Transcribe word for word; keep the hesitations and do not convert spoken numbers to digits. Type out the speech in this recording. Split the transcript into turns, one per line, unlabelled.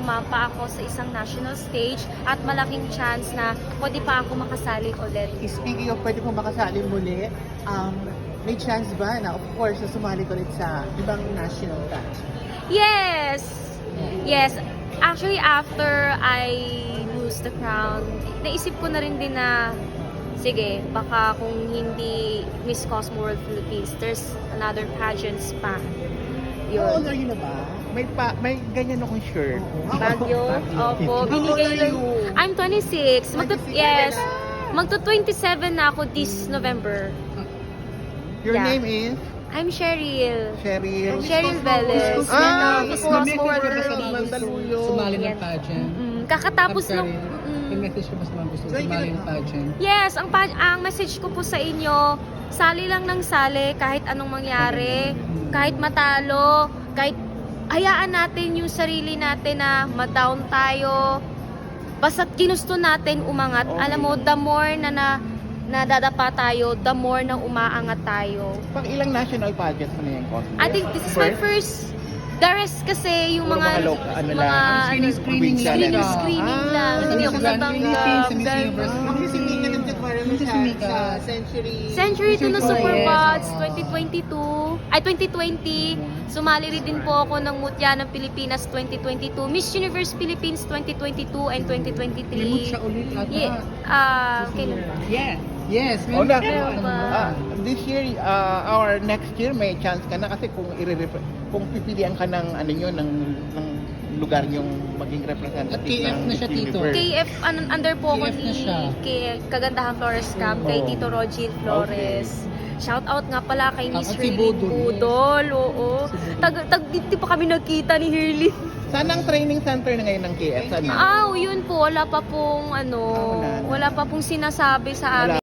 sumampa ako sa isang national stage at malaking chance na pwede pa ako makasali ulit.
Speaking of pwede pong makasali muli, um, may chance ba na of course na sumali ko ulit sa ibang national dance?
Yes! Yes. Actually, after I lose the crown, naisip ko na rin din na sige, baka kung hindi Miss Cosmo World Philippines, there's another pageants pa.
How old
Yun.
are you na ba? May pa, may ganyan akong shirt.
Bagyo. Opo.
How old
Binigay
are
lang.
you?
I'm twenty-six. Magto,
twenty-six.
yes. Magto twenty-seven na ako this November.
Your
Yeah.
name is?
I'm Cheryl.
Cheryl.
Cheryl Velez.
Ah,
Miss
Miss
Cosmo World
Cosmo
Philippines.
Mandaluyong.
Sumali ng
Yan.
pageant.
Mm, kakatapos
I'm
nung...
sorry.
mm,
May message ko ba sa mga gusto
Sorry,
sumali
ganun
ng pageant?
Yes, ang, pa- ang message ko po sa inyo, sali lang ng sali kahit anong mangyari, kahit matalo, kahit hayaan natin yung sarili natin na ma-down tayo. Basta ginusto natin umangat.
Okay.
Alam mo, the more na, na nadadapa tayo, the more na umaangat tayo.
Pang ilang national pageants mo na yung Cosmo?
I think this is my first. The rest kasi yung
Puro
mga
mga local, ano
mga
lang,
ano,
screening, screening lang.
screening,
Ah,
screening lang.
ah,
Hindi ako
Grand
natanggap.
Philippines, Miss
Dahil-
Universe.
Ang sisimika ng Jaguar
Yung
sa,
sisimika.
sa Century.
Century to na
Yes.
Superbots
Ah.
twenty twenty-two, ay twenty twenty. Sumali rin din po ako ng Mutya ng Pilipinas twenty twenty-two, Miss Universe Philippines twenty twenty-two and twenty
May
twenty-three.
siya ulit ata.
Yeah, ah, kailan?
Yes. Yes.
Oh, na,
Meron ba?
ah, this year, uh, our next year, may chance ka na kasi kung i kung pipilian ka ng ano yun, ng, ng lugar yung maging representative
At K F
ng
na siya,
Miss
Tito.
Universe.
K F, an- under po ako
K F na
ni
siya.
kay Kagandahan Flores Camp, kay
Oh.
Tito Rogil Flores. Shout out nga pala kay Miss
At si
Raylene
Budol, yes.
Budol, oo.
Si Budol.
Tag, tag, di pa kami nagkita ni Hirly.
Saan ang training center na ngayon ng K F? Saan yun?
Ah, yun po, wala pa pong ano,
Ah, wala na.
wala pa pong sinasabi sa
Wala.
amin.